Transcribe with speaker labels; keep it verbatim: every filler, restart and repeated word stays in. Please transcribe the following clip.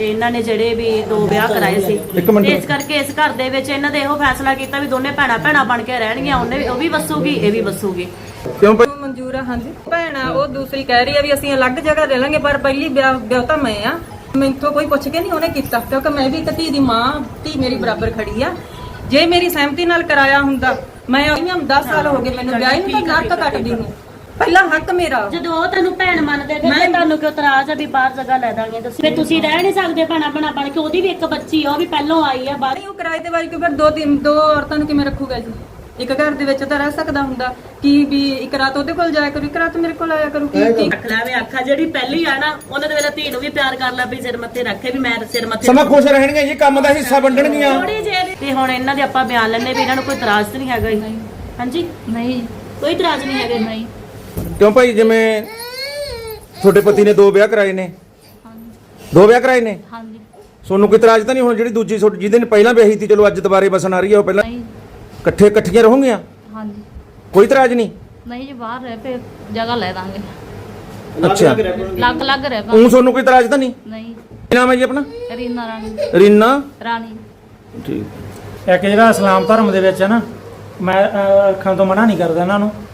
Speaker 1: ਤੇ ਇਹਨਾਂ ਨੇ ਜਿਹੜੇ ਵੀ ਦੋ ਵਿਆਹ ਕਰਾਏ ਸੀ, ਇਸ ਕਰਕੇ ਇਸ ਘਰ ਦੇ ਵਿੱਚ ਇਹਨਾਂ ਨੇ ਇਹੋ ਫੈਸਲਾ ਕੀਤਾ ਵੀ ਦੋਨੇ ਭੈਣਾਂ ਭੈਣਾਂ ਬਣ ਕੇ ਰਹਿਣਗੀਆਂ। ਉਹਨੇ ਉਹ ਵੀ ਵਸੂਗੀ, ਇਹ ਵੀ ਵਸੂਗੀ।
Speaker 2: ਕਿਉਂ ਭਾਈ?
Speaker 3: ਮਨਜ਼ੂਰ ਆ। ਹਾਂਜੀ ਭੈਣ ਆ, ਉਹ ਦੂਸਰੀ ਕਹਿ ਰਹੀ ਆ ਵੀ ਅਸੀਂ ਅਲੱਗ ਜਗ੍ਹਾ ਰਹਿ ਲਾਂਗੇ, ਪਰ ਪਹਿਲੀ ਵਿਆਹ ਵਿਆਹ ਤਾਂ ਮੈਂ ਆ। ਮੈਥੋਂ ਕੋਈ ਪੁੱਛ ਕੇ ਨਹੀਂ ਉਹਨੇ ਕੀਤਾ, ਕਿਉਂਕਿ ਮੈਂ ਵੀ ਇੱਕ ਧੀ ਦੀ ਮਾਂ, ਧੀ ਮੇਰੀ ਬਰਾਬਰ ਖੜੀ ਆ। ਜੇ ਮੇਰੀ ਸਹਿਮਤੀ ਨਾਲ ਕਰਾਇਆ ਹੁੰਦਾ, ਮੈਂ ਦਸ ਸਾਲ ਹੋ ਗਏ ਮੈਨੂੰ ਵਿਆਹ ਨੂੰ, ਤਾਂ ਨੱਕ ਕੱਟਦੀ ਨੂੰ। ਪਹਿਲਾ ਹੱਕ ਮੇਰਾ।
Speaker 1: ਜਦੋਂ ਉਹ ਤੈਨੂੰ ਭੈਣ ਮੰਨਦੇ ਫਿਰ ਤੁਹਾਨੂੰ ਕਿਉਂ ਇਤਰਾਜ਼ ਆ ਵੀ ਬਾਹਰ ਜਗ੍ਹਾ ਲੈ ਦਾਂਗੇ ਤੁਸੀਂ? ਫਿਰ ਤੁਸੀਂ ਰਹਿ ਨਹੀਂ ਸਕਦੇ ਭੈਣਾ ਭੈਣਾ ਬਣ ਕੇ? ਉਹਦੀ ਵੀ ਇੱਕ ਬੱਚੀ ਆ, ਉਹ ਵੀ ਪਹਿਲੋਂ ਆਈ ਆ ਬਾਹਰ।
Speaker 3: ਉਹ ਕਿਰਾਏ ਤੇ ਵਾਰੀ ਕਿਉਂ? ਫਿਰ ਦੋ ਤਿੰਨ ਦੋ ਔਰਤਾਂ ਨੂੰ ਕਿਵੇਂ ਰੱਖੂਗਾ ਜੀ? ਇੱਕ ਘਰ ਦੇ ਵਿੱਚ ਤਾਂ ਰਹਿ ਸਕਦਾ ਹੁੰਦਾ ਕਿ ਵੀ ਇੱਕ ਰਾਤ ਉਹਦੇ ਕੋਲ ਜਾਇਆ ਕਰੂ, ਇੱਕ ਰਾਤ ਮੇਰੇ ਕੋਲ ਆਇਆ ਕਰੂ। ਕੀ
Speaker 1: ਰੱਖ ਲੈਵੇਂ ਆਖਾ ਜਿਹੜੀ ਪਹਿਲੀ ਆ ਨਾ, ਉਹਨਾਂ ਦੇ ਵੇਲੇ ਧੀ ਨੂੰ ਵੀ ਪਿਆਰ ਕਰ ਲਾ ਵੀ ਸਿਰ ਮੱਥੇ ਰੱਖੇ ਵੀ ਮੈਂ ਸਿਰ ਮੱਥੇ
Speaker 2: ਸਮਾਂ ਖੁਸ਼ ਰਹਿਣਗੇ ਜੀ, ਕੰਮ ਦਾ ਹਿੱਸਾ ਵੰਡਣਗੀਆਂ।
Speaker 1: ਥੋੜੀ ਜਿਹੀ ਤੇ ਹੁਣ ਇਹਨਾਂ ਦੇ ਆਪਾਂ ਬਿਆਨ ਲੈਣੇ ਵੀ ਇਹਨਾਂ ਨੂੰ ਕੋਈ ਇਤਰਾਜ਼ ਤਾਂ ਨਹੀਂ ਹੈਗਾ ਜੀ? ਹਾਂਜੀ
Speaker 4: ਨਹੀਂ,
Speaker 1: ਕੋਈ ਇਤਰਾਜ਼ ਨਹੀਂ ਹੈਗਾ।
Speaker 4: ਨਹੀਂ।
Speaker 2: ਕਿਉਂ ਭਾਈ? ਜਿਵੇਂ ਤੁਹਾਡੇ ਪਤੀ ਨੇ ਦੋ ਵਿਆਹ ਕਰਾਏ ਨੇ, ਦੋ ਵਿਆਹ ਕਰਾਏ ਨੇ,
Speaker 4: ਹਾਂਜੀ।
Speaker 2: ਤੁਹਾਨੂੰ ਕੋਈ ਇਤਰਾਜ਼ ਤਾਂ ਨਹੀਂ? ਹੁਣ ਜਿਹੜੀ ਦੂਜੀ ਤੁਹਾਡੀ ਜਿਹਦੇ ਨੇ ਪਹਿਲਾਂ ਵਿਆਹੀ ਸੀ, ਚਲੋ ਅੱਜ ਦੁਬਾਰੇ ਬਸਣ ਆ ਰਹੀ ਹੈ, ਉਹ ਪਹਿਲਾਂ
Speaker 4: ਨਹੀਂ।
Speaker 2: ਇਕੱਠੇ ਇਕੱਠੀਆਂ ਰਹੋਗੀਆਂ?
Speaker 4: ਹਾਂਜੀ।
Speaker 2: ਕੋਈ ਇਤਰਾਜ਼ ਨਹੀਂ?
Speaker 4: ਨਹੀਂ ਜੀ, ਬਾਹਰ ਰਹਿ ਪਏ ਜਗ੍ਹਾ ਲੈ ਦਾਂਗੇ,
Speaker 2: ਅੱਛਾ,
Speaker 4: ਲੱਗ ਲੱਗ ਰਹਿ
Speaker 2: ਉਹ ਤੁਹਾਨੂੰ ਕੋਈ ਇਤਰਾਜ਼ ਤਾਂ ਨਹੀਂ?
Speaker 4: ਨਹੀਂ।
Speaker 2: ਕੀ ਨਾਮ ਹੈ ਜੀ ਆਪਣਾ?
Speaker 4: ਰੀਨਾ ਰਾਣੀ।
Speaker 2: ਰੀਨਾ
Speaker 4: ਰਾਣੀ।
Speaker 2: ਠੀਕ।
Speaker 5: ਇੱਕ ਜਿਹੜਾ ਇਸਲਾਮ ਧਰਮ ਦੇ ਵਿੱਚ ਹੈ ਨਾ, ਮੈਂ ਅਹ, ਰੱਖਣ ਤੋਂ ਮਨਾ ਨਹੀਂ ਕਰਦਾ ਇਹਨਾਂ ਨੂੰ,